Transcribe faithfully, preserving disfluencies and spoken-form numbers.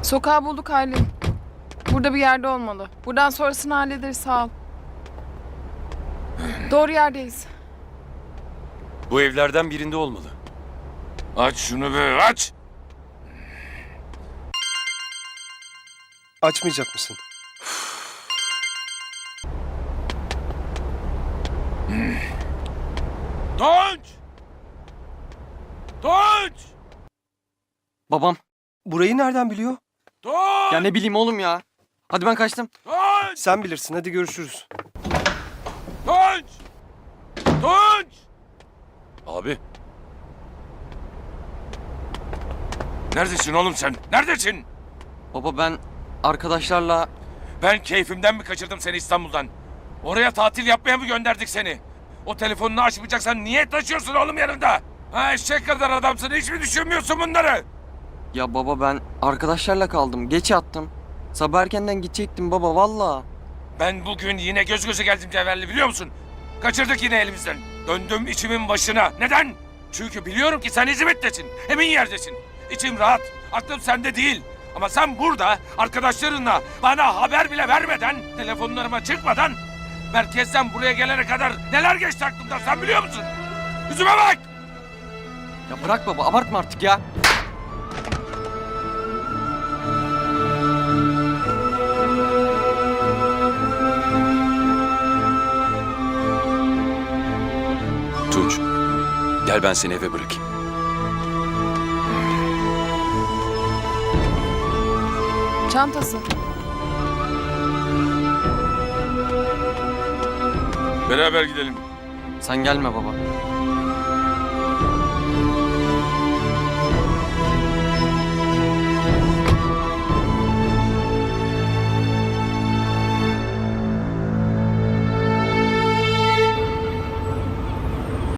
Sokağı bulduk Aylin. Burada bir yerde olmalı. Buradan sonrasını hallederiz, sağ ol. Doğru yerdeyiz. Bu evlerden birinde olmalı. Aç şunu be, aç! Açmayacak mısın? Tunç! Tunç! Babam. Burayı nereden biliyor? Tunç! Ya ne bileyim oğlum ya. Hadi ben kaçtım. Tunç! Sen bilirsin, hadi görüşürüz. Tunç! Tunç! Abi, Neredesin oğlum sen? Neredesin? Baba ben arkadaşlarla... Ben keyfimden mi kaçırdım seni İstanbul'dan? Oraya tatil yapmaya mı gönderdik seni? O telefonunu açmayacaksan niye taşıyorsun oğlum yanında? Ha, eşek kadar adamsın, hiç mi düşünmüyorsun bunları? Ya baba ben arkadaşlarla kaldım. Geç yattım. Sabah erkenden gidecektim baba valla. Ben bugün yine göz göze geldim Cevher'le, biliyor musun? Kaçırdık yine elimizden. Döndüm içimin başına. Neden? Çünkü biliyorum ki sen İzmit'tesin. Emin yerdesin. İçim rahat. Aklım sende değil. Ama sen burada arkadaşlarınla bana haber bile vermeden, telefonlarıma çıkmadan merkezden buraya gelene kadar neler geçti aklımdan sen biliyor musun? Yüzüme bak! Ya bırak baba abartma artık ya. Tunç. Gel ben seni eve bırakayım. Çantası. Beraber gidelim. Sen gelme baba.